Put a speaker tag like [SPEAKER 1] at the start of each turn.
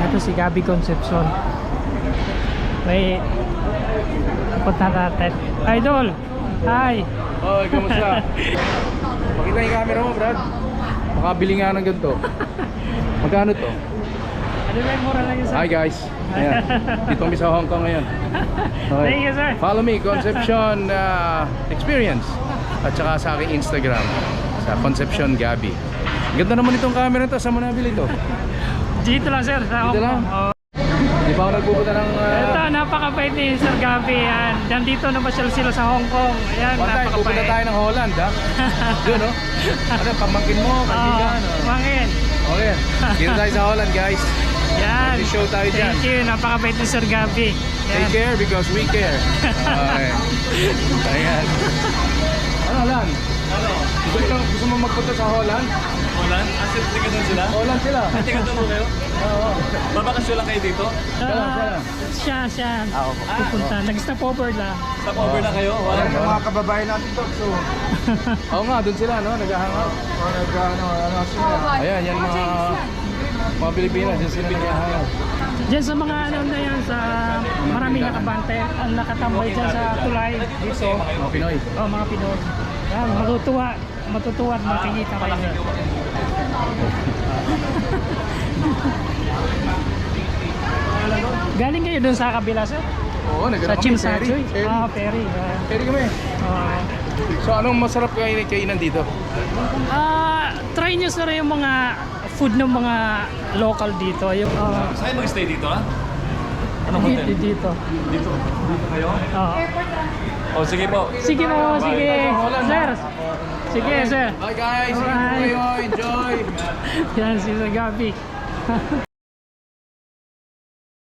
[SPEAKER 1] Ito si Gabby Concepcion. May punta natin. Idol! Hi!
[SPEAKER 2] Oy, kamusta? Pakita yung camera mo, Brad. Makabili nga ng ganito. Magkano to?
[SPEAKER 1] Ano lang, mura lang yun, sir.
[SPEAKER 2] Hi guys. Ayan. Dito kami sa Hong Kong ngayon. Okay.
[SPEAKER 1] Thank you, sir.
[SPEAKER 2] Follow me, Concepcion Experience. At saka sa aking Instagram, sa Concepcion Gabby. Ganda naman itong camera to. Saan mo nabili ito?
[SPEAKER 1] Dito lang, sir. Sa Hong
[SPEAKER 2] Dito lang?
[SPEAKER 1] Kong. Oh.
[SPEAKER 2] Di ba ako nagpupunta ng...
[SPEAKER 1] Ito, napakabait ni Sir Gabby. Yan. Nandito na masyal sila sa Hong Kong. Ayan,
[SPEAKER 2] One time, pupunta
[SPEAKER 1] napakabait.
[SPEAKER 2] tayo ng Holland, ha? Yun, no? Ano, pamangkin mo, kaibigan.
[SPEAKER 1] Pangin.
[SPEAKER 2] Okay. Kita tayo sa Holland, guys.
[SPEAKER 1] Yan.
[SPEAKER 2] Mag-show tayo dyan.
[SPEAKER 1] Thank you. Napakabait ni Sir Gabby.
[SPEAKER 2] Take care because we care. Okay. Ayan. Ano, Alan?
[SPEAKER 3] Ano?
[SPEAKER 2] Gusto mo magpunta sa Holland?
[SPEAKER 3] Holland? Asip, tiga doon sila?
[SPEAKER 2] Holland sila.
[SPEAKER 3] Tiga doon mo kayo?
[SPEAKER 2] Oo.
[SPEAKER 3] Babakasyon lang kayo dito?
[SPEAKER 1] Siya. Pupunta. Nag-stop over lang.
[SPEAKER 3] Stop over na kayo? Wow.
[SPEAKER 2] Mga kababayan natin to. So. Oo nga, doon sila, no? Nag-hangout. Ayan, yan mga Pilipinas. Yan sila nag-hangout.
[SPEAKER 1] Diyan sa mga ano na yan, sa maraming nakabante, ang nakatambay dyan sa tulay. Dito.
[SPEAKER 2] Mga Pinoy.
[SPEAKER 1] Oh, mga Pinoy. Yan, matutuwa at makikita kayo. Galing kayo dun sa kabila, sir?
[SPEAKER 2] Oo, nagano
[SPEAKER 1] Sa
[SPEAKER 2] kami.
[SPEAKER 1] Chimsachoy?
[SPEAKER 2] Ferry.
[SPEAKER 1] Ah, ferry.
[SPEAKER 2] Ferry kami.
[SPEAKER 1] Oh.
[SPEAKER 2] So, anong masarap kainan dito?
[SPEAKER 1] Try nyo sir yung mga food ng mga local dito. Yung,
[SPEAKER 3] Saan mag-stay dito, ha? Anong hotel?
[SPEAKER 1] dito.
[SPEAKER 3] Dito? Dito kayo? Oh, sige po.
[SPEAKER 1] Sige po, sige. Sir. Sige, sir.
[SPEAKER 2] Bye guys.
[SPEAKER 1] Alright.
[SPEAKER 2] Enjoy.
[SPEAKER 1] Yan si Sir Gabby.